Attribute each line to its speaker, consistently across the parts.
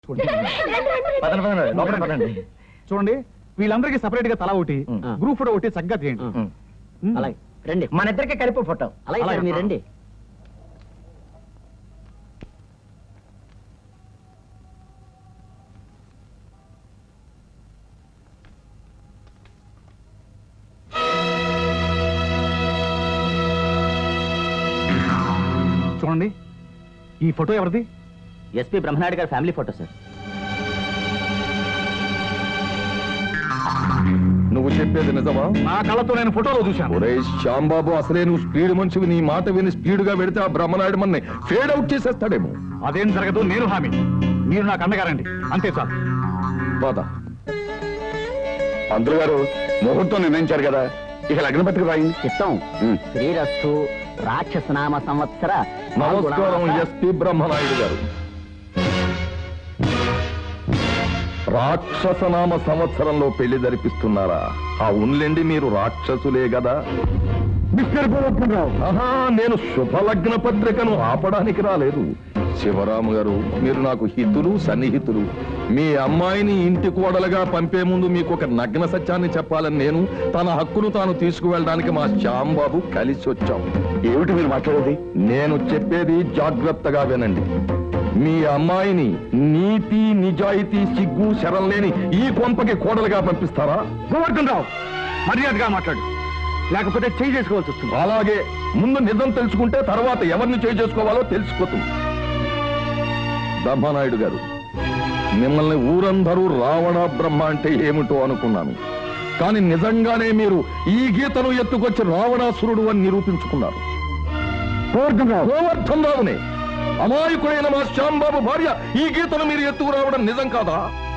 Speaker 1: చూడండి, వీళ్ళందరికీ సపరేట్ గా తల ఒకటి, గ్రూప్ ఫోటో ఒకటి చక్కగా తీయండి.
Speaker 2: అలాగే రండి, మన ఇద్దరికి కలిపి ఫోటో. అలాగే సార్, మీరు రండి.
Speaker 1: చూడండి, ఈ ఫోటో ఎవరిది?
Speaker 2: ఎస్పీ బ్రహ్మనాయుడు గారి ఫ్యామిలీ ఫోటో సార్.
Speaker 3: నువ్వు చెప్పేది నిజమా?
Speaker 1: నా కళ్ళతో నేను ఫోటోలో చూశాను.
Speaker 3: ఒరే శ్యాంబాబు, అసలే నువ్వు స్పీడ్ మనిషివి. నీ మాట విని స్పీడ్ గా వెడితే ఆ బ్రహ్మనాయుడు మన్ని ఫేడ్ అవుట్ చేసేస్తాడేమో.
Speaker 1: అదేం జరగదు, నేను హామీ. మీరు నాకు అండగారండి, అంతే సార్.
Speaker 3: బాధ పంతులు గారు ముహూర్తం నిర్ణయించారు కదా, ఇక లగ్న పత్రిక రాయింది.
Speaker 2: చిత్తం శ్రీరస్తు రాక్షసనామ సంవత్సర.
Speaker 3: నమస్కారం ఎస్పీ బ్రహ్మనాయుడు గారు. రాక్షసనామ సంవత్సరంలో పెళ్లి జరిపిస్తున్నారా? అవునులేండి, మీరు రాక్షసులే కదా. నేను శుభలగ్న పత్రికను ఆపడానికి రాలేదు. శివరాము గారు, మీరు నాకు హితులు, సన్నిహితులు. మీ అమ్మాయిని ఇంటి కోడలుగా పంపే ముందు మీకు ఒక నగ్న సత్యాన్ని చెప్పాలని నేను, తన హక్కును తాను తీసుకువెళ్ళడానికి మా శ్యాంబాబు కలిసి వచ్చాం. ఏమిటి మీరు మాట్లాడేది? నేను చెప్పేది జాగ్రత్తగా వినండి. మీ అమ్మాయిని నీతి, నిజాయితీ, సిగ్గు, శరం లేని ఈ కొంపకి కోడలుగా పంపిస్తారా?
Speaker 1: గోవర్ధన్ రావు, మర్యాదగా మాట్లాడు, లేకపోతే చేయి చేసుకోవాల్సి వస్తుంది.
Speaker 3: అలాగే, ముందు నిజం తెలుసుకుంటే తర్వాత ఎవరిని చేయి చేసుకోవాలో తెలిసిపోతుంది. బ్రహ్మనాయుడు గారు, మిమ్మల్ని ఊరందరూ రావణ బ్రహ్మ అంటే ఏమిటో అనుకున్నాను. కానీ నిజంగానే మీరు ఈ గీతను ఎత్తుకొచ్చి రావణాసురుడు అని నిరూపించుకున్నారు. గోవర్ధన్ రావునే, అమాయకుడైన మా శ్యాంబాబు భార్య ఈ గీతను మీరు ఎత్తుకు రావడం నిజం కాదా?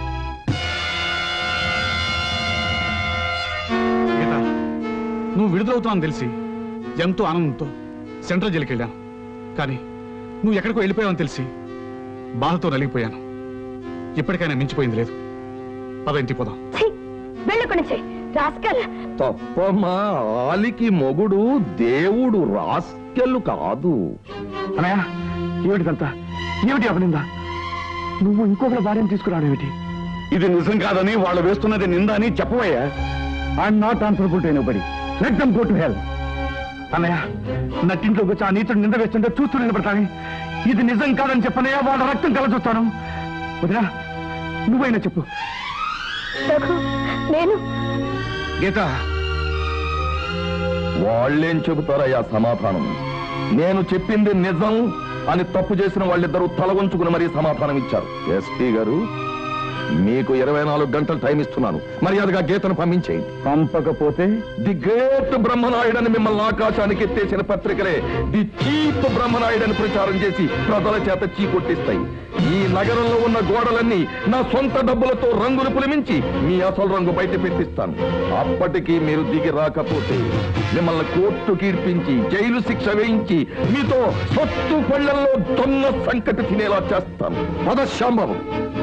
Speaker 1: గీత, నువ్వు విడుదలవుతావని తెలిసి ఎంతో ఆనందంతో సెంట్రల్ జైలుకి వెళ్ళాను. కానీ నువ్వు ఎక్కడికో వెళ్ళిపోయావని తెలిసి బాధతో నలిగిపోయాను. ఇప్పటికైనా మించిపోయింది లేదు. పద, ఇంటికి పోదాం.
Speaker 3: తప్పమ్మా, ఆలికి మొగుడు దేవుడు, రాస్కెళ్ళు కాదు.
Speaker 1: అన్నయ్య, ఏమిటిదంతా? ఏమిటి అపనిందా? నువ్వు ఇంకొకరి భార్యను తీసుకురావడం ఏమిటి?
Speaker 3: ఇది నిజం కాదని వాళ్ళు వేస్తున్నది నింద అని చెప్పవయ్యా.
Speaker 1: I'm not answerable to anybody. Let them go to hell. అన్నయ్య, నట్టింట్లోకి వచ్చి ఆ నీతుడు నింద వేస్తుంటే చూస్తూ నిలబడతాను. ఇది నిజం కాదని చెప్పనయ్యా, వాళ్ళ రక్తం కల చూస్తాను. వదినా, నువ్వైనా చెప్పు.
Speaker 4: నేను
Speaker 1: గీత,
Speaker 3: వాళ్ళేం చెబుతారయ్యా సమాధానం? నేను చెప్పింది నిజం అని తప్పు చేసిన వాళ్ళిద్దరూ తల వంచుకుని మరీ సమాధానం ఇచ్చారు. ఎస్పీ గారు, మీకు 24 గంటలు టైం ఇస్తున్నాను. మర్యాదగా గీతను పంపించేయండి.
Speaker 1: పంపకపోతే
Speaker 3: ది గ్రేట్ బ్రహ్మనాయుడని మిమ్మల్ని ఆకాశానికి ఎత్తేసిన పత్రికలే ది చీప్ బ్రహ్మనాయుడని ప్రచారం చేసి ప్రజల చేత చీకొట్టిస్తాయి. ఈ నగరంలో ఉన్న గోడలన్నీ నా సొంత డబ్బులతో రంగులు పులిమించి మీ అసలు రంగు బయట పెట్టిస్తాను. అప్పటికీ మీరు దిగి రాకపోతే మిమ్మల్ని కోర్టుకి ఇడ్పించి జైలు శిక్ష వేయించి మీతో సొత్తు పళ్ళల్లో దొన్న సంకటి తినేలా చేస్తాను. శ్యాంబాబు.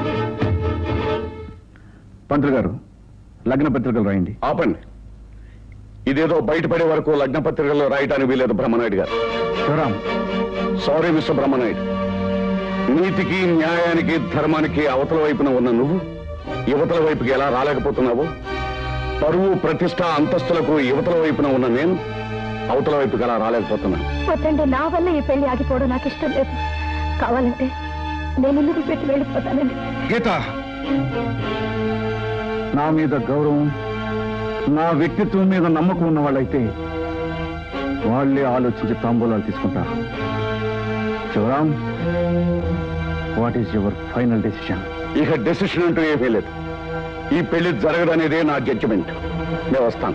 Speaker 1: పంతులు గారు, లగ్న పత్రికలు రాయండి.
Speaker 3: ఆపండి. ఇదేదో బయటపడే వరకు లగ్న పత్రికల్లో రాయటానికి వీలేదు బ్రహ్మనాయుడు గారు.
Speaker 1: శివరాం.
Speaker 3: Sorry mister Brahmanayudu. నీతికి, న్యాయానికి, ధర్మానికి అవతల వైపున ఉన్న నువ్వు యువతల వైపుకి ఎలా రాలేకపోతున్నావు? పరువు, ప్రతిష్ట, అంతస్తులకు యువతల వైపున ఉన్న నేను అవతల వైపుకి ఎలా రాలేకపోతున్నాను?
Speaker 4: వద్దండి, నా వల్ల ఈ పెళ్లి ఆగిపోవడం నాకు ఇష్టం లేదు. కావాలంటే నేను ఇల్లు పెట్టి వెళ్ళిపోతానండి.
Speaker 1: గీత, నా మీద గౌరవం, నా వ్యక్తిత్వం మీద నమ్మకం ఉన్న వాళ్ళైతే వాళ్ళే ఆలోచించి తాంబూలాలు తీసుకుంటారు. Sivaram, what is your final decision?
Speaker 3: ఇక డెసిషన్ అంటూ ఏమీ లేదు. ఈ పెళ్లి జరగదనేదే నా జడ్జిమెంట్. నేను వస్తాను.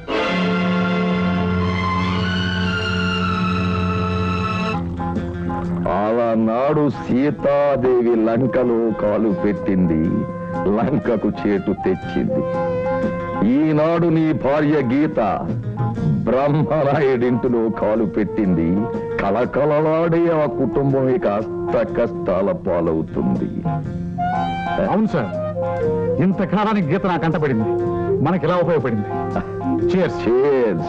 Speaker 3: ఆనాడు సీతాదేవి లంకలో కాలు పెట్టింది, లంకకు చేటు తెచ్చింది. ఈనాడు నీ భార్య గీత బ్రహ్మనాయుడింటిలో కాలు పెట్టింది. కలకలలాడే ఆ కుటుంబం ఇక అష్ట కష్టాల పాలవుతుంది.
Speaker 1: అవును సార్, ఇంతకాలానికి గీత నాకు అంటపడింది, మనకి ఎలా ఉపయోగపడింది. Cheers.
Speaker 3: Cheers.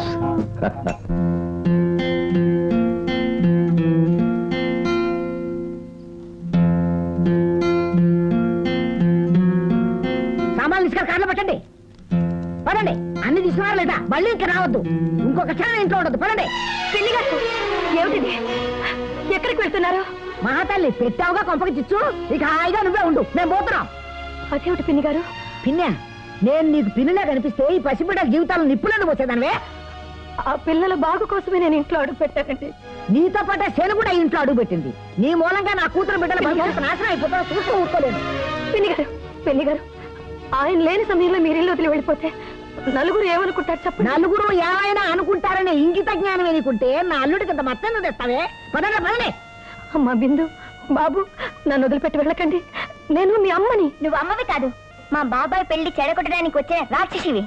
Speaker 2: తీసుకెళ్ళి కార్లో పెట్టండి. పదండి, అన్ని తీసుకున్నారు లేదా మళ్ళీ ఇంకా రావద్దు. ఇంకొక క్షణం ఇంట్లో ఉండదు. పదండి.
Speaker 4: పిన్ని గారు ఏమిటిది? ఎక్కడికి వెళ్తున్నారు?
Speaker 2: మహాతల్లి పెట్టావుగా కొంపకి చిచ్చు, ఇక హాయిగా నువ్వే ఉండు, మేము పోతున్నాం.
Speaker 4: అదేమిటి పిన్ని గారు?
Speaker 2: పిన్నే, నేను నీకు పిన్నిలా కనిపిస్తే ఈ పసిబిడ్డల జీవితాలను నిప్పులను పోసేదానివే.
Speaker 4: ఆ పిల్లల బాగు కోసమే నేను ఇంట్లో అడుగు పెట్టానండి.
Speaker 2: నీతో పాటే శని కూడా ఇంట్లో అడుగు పెట్టింది. నీ మూలంగా నా కూతురు బిడ్డల భవిష్యత్తు నాశనం అయిపోతా చూస్తూ ఊరుకోలేను.
Speaker 4: పిన్ని గారు ఆయన లేని సమయంలో మీరు ఇల్లు వదిలి వెళ్ళిపోతే నలుగురు ఏమనుకుంటారు చెప్పండి?
Speaker 2: నలుగురు ఏమైనా అనుకుంటారనే ఇంగిత జ్ఞానం ఎనుకుంటే నా అల్లుడికి ఇంత మత్తను తెస్తావే. పదండి పదండి.
Speaker 4: అమ్మా బిందు, బాబు, నన్ను వదిలిపెట్టి వెళ్ళకండి. నేను మీ అమ్మని. నువ్వు అమ్మవి కాదు, మా బాబాయ్ పెళ్లి చెడగొట్టడానికి వచ్చే రాక్షసివి.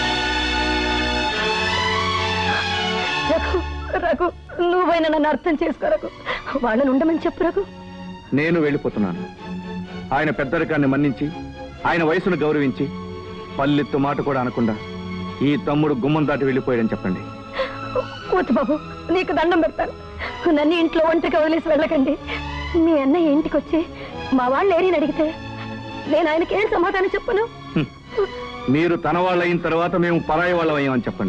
Speaker 4: రఘు, రఘు, నువ్వైనా నన్ను అర్థం చేసుకో రఘు. వాళ్ళని ఉండమని చెప్పు రఘు.
Speaker 1: నేను వెళ్ళిపోతున్నాను. ఆయన పెద్దరికాన్ని మన్నించి, ఆయన వయసును గౌరవించి, పల్లెత్తు మాట కూడా అనకుండా ఈ తమ్ముడు గుమ్మం దాటి వెళ్ళిపోయాడని చెప్పండి.
Speaker 4: వద్దు బాబు, నీకు దండం పెడతాను. నన్ను ఇంట్లో ఒంటరిగా వదిలేసి వెళ్ళకండి. మీ అన్నయ్య ఇంటికి వచ్చి మా వాళ్ళు ఏరిని అడిగితే నేను ఆయనకి ఏం సమాధానం చెప్పను?
Speaker 1: మీరు తన వాళ్ళయిన తర్వాత మేము పరాయి వాళ్ళం అయ్యామని చెప్పండి.